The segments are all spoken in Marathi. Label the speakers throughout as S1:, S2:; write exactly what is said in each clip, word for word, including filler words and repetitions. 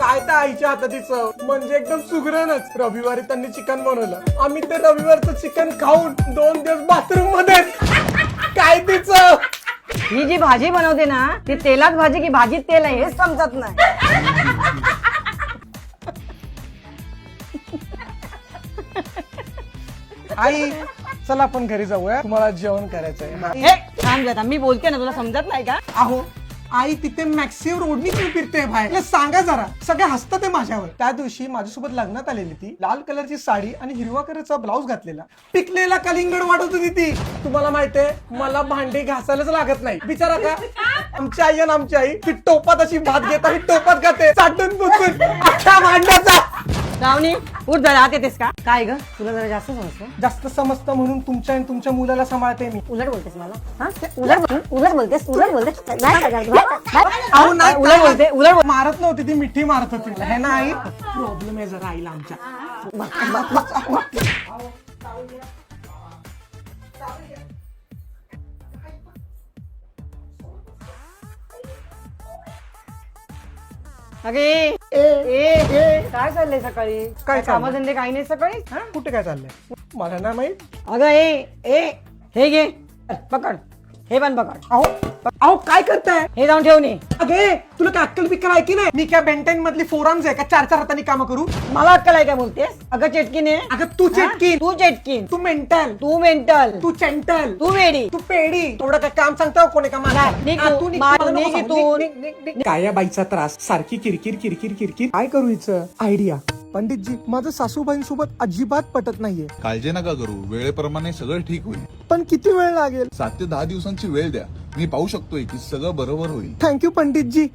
S1: काय त्या आईच्या हाताची चव म्हणजे एकदम सुगरणच. रविवारी त्यांनी चिकन बनवलं, आम्ही ते रविवारचं चिकन खाऊन दोन दिवस बाथरूम मध्ये. काय ती चव.
S2: ही जी भाजी बनवते ना ती तेलात भाजी की भाजीत तेल आहे हेच समजत नाही.
S1: आई चला आपण घरी जाऊया, तुम्हाला जेवण करायचंय.
S2: हे थांब जरा, मी बोलते ना तुला समजत नाही का?
S1: अहो आई तिथे मॅक्सिम रोडनी तुम्ही फिरते बाहेर, सांगा जरा. सगळे हसतात ते माझ्यावर. त्या दिवशी माझ्यासोबत लग्नात आलेली ती, लाल कलरची साडी आणि हिरवा कलरचा ब्लाऊज घातलेला, पिकलेला कलिंगड वाढत होती ती. तुम्हाला माहितीये मला भांडी घासायलाच लागत नाही. बिचारा का आमची आई आणि आमची आई ती टोपात अशी भात घेता ही टोपात खाते चाटून बुचून अख्ख्या भांड्याचा.
S2: रावणी उठ जरा, आत येतेस का? काय ग तुला जरा जास्त समजतं.
S1: जास्त समजतं म्हणून तुमच्या आणि तुमच्या मुलाला सांभाळते मी.
S2: उलट बोलतेस मला. हा उलट उलट बोलतेस उलट बोलतेस नाही
S1: अहो नाही,
S2: उलट बोलते उलट बोल-
S1: मारत नव्हती ती, मिठी मारत होती. हे ना आई प्रॉब्लेम आहे जरा आईला आमच्या.
S2: अगे ए ए काय चाललंय सकाळी? काय कामधंदे काही नाही सकाळी?
S1: हा कुठे काय चाललंय मला ना माहित.
S2: अगं ए ए हे घे पकड, हे पण पकड.
S1: अहो अहो काय करताय?
S2: हे जाऊन ठेवणे.
S1: अगे तुला काय अक्कल बिक्कल आहे की नाही? मी काय बेंटेन मधली फोरम्स आहे का चार चार हातांनी काम करू?
S2: मला अक्कल आहे काय बोलतेस? अगं चेटकीने.
S1: अगं तू चेटकीन,
S2: तू चेटकीन,
S1: तू मेंटल,
S2: तू मेंटल,
S1: तू चेंटल,
S2: तू वेडी.
S1: तू पेडी. थोडं काय काम सांगतो कोणी का मला?
S2: निघ
S1: हा,
S2: तू,
S1: तू निघ,
S2: मार,
S1: मला नको
S2: निघ
S1: सांगू.
S2: इथून.
S1: निघ, निघ, निघ, निघ. काय या बाईचा त्रास, सारखी किरकिर किरकिर किरकिर. काय करू हिचं? आयडिया. पंडितजी माझं सासूबाईंसोबत अजिबात पटत नाहीये.
S3: काळजी नका करू, वेळेप्रमाणे सगळं ठीक होईल.
S1: पण किती वेळ लागेल?
S3: सात ते दहा दिवसांची वेळ द्या, मी पाहू शकतोय की सगळं बरोबर होईल.
S1: थँक्यू पंडितजी.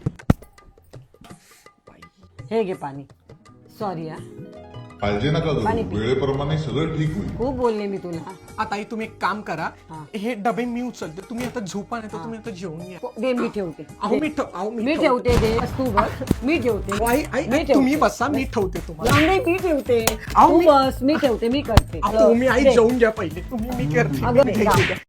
S2: हे घे पाणी. सॉरी हा,
S3: काळजी नका
S2: पाणी
S3: करू,
S2: पी.
S3: वेळेप्रमाणे सगळं ठीक होईल.
S2: खूप बोलले मी तुला.
S1: आता आई तुम्ही एक काम करा,
S2: हा.
S1: हे डबे मी उचलते, तुम्ही आता झोपा नाही तर तुम्ही आता जेवून घ्या.
S2: दे मी ठेवते.
S1: अहो मी ठेव- अहो,
S2: मी ठेवते दे बस तू बस. मी ठेवते.
S1: अहो, आई आई
S2: मी
S1: आई, तुम्ही
S2: ठेवते.
S1: बसा, मी ठेवते तुम्हाला.
S2: लांब नाही, मी ठेवते.
S1: अहो,
S2: तू
S1: मी-
S2: बस, मी ठेवते, मी करते.
S1: अहो, तुम्ही आई
S2: दे.
S1: जेवून घ्या पहिले, तुम्ही मी करते.
S2: अगं,
S1: मी
S2: दे,
S1: घेते.
S2: जा.